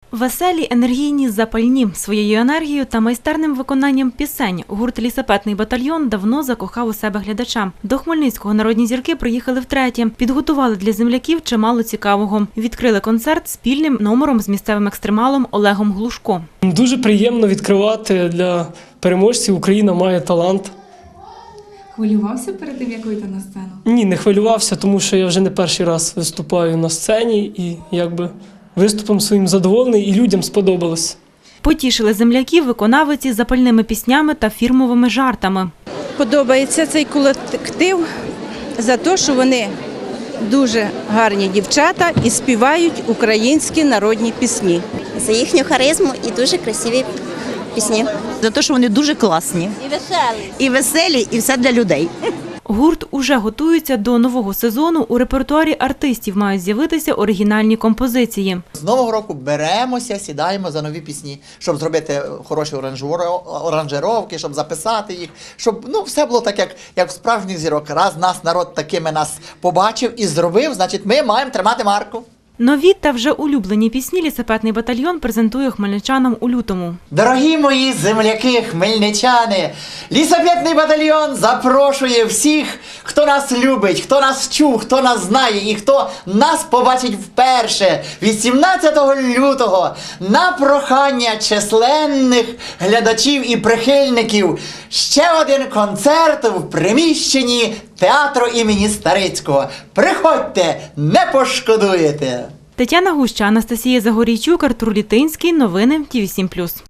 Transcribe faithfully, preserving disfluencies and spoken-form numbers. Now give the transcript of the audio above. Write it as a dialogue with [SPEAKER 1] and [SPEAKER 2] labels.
[SPEAKER 1] Веселі, енергійні, запальні. Своєю енергією та майстерним виконанням пісень гурт «Лісапетний батальйон» давно закохав у себе глядача. До Хмельницького народні зірки приїхали втретє. Підготували для земляків чимало цікавого. Відкрили концерт спільним номером з місцевим екстремалом Олегом Глушко.
[SPEAKER 2] Дуже приємно відкривати для переможців «Україна має талант».
[SPEAKER 3] Хвилювався перед тим, як вийти на сцену?
[SPEAKER 2] Ні, не хвилювався, тому що я вже не перший раз виступаю на сцені і якби виступом своїм задоволений і людям сподобалось.
[SPEAKER 1] Потішили земляків виконавиці запальними піснями та фірмовими жартами.
[SPEAKER 4] Подобається цей колектив за те, що вони дуже гарні дівчата і співають українські народні пісні.
[SPEAKER 5] За їхню харизму і дуже красиві пісні.
[SPEAKER 6] За те, що вони дуже класні.
[SPEAKER 5] І веселі.
[SPEAKER 6] І веселі, і все для людей.
[SPEAKER 1] Гурт уже готується до нового сезону. У репертуарі артистів мають з'явитися оригінальні композиції.
[SPEAKER 7] З нового року беремося, сідаємо за нові пісні, щоб зробити хороші оранжировки, щоб записати їх, щоб ну, все було так, як, як в справжніх зірок. Раз нас народ такими нас побачив і зробив, значить ми маємо тримати марку.
[SPEAKER 1] Нові та вже улюблені пісні «Лісапетний батальйон» презентує хмельничанам у лютому.
[SPEAKER 7] Дорогі мої земляки, хмельничани, Лісапетний батальйон запрошує всіх, хто нас любить, хто нас чув, хто нас знає і хто нас побачить вперше вісімнадцятого лютого на прохання численних глядачів і прихильників. Ще один концерт в приміщенні театру імені Старицького. Приходьте, не пошкодуєте!
[SPEAKER 1] Тетяна Гуща, Анастасія Загорійчук, Артур Літинський. Новини Ті вісім плюс.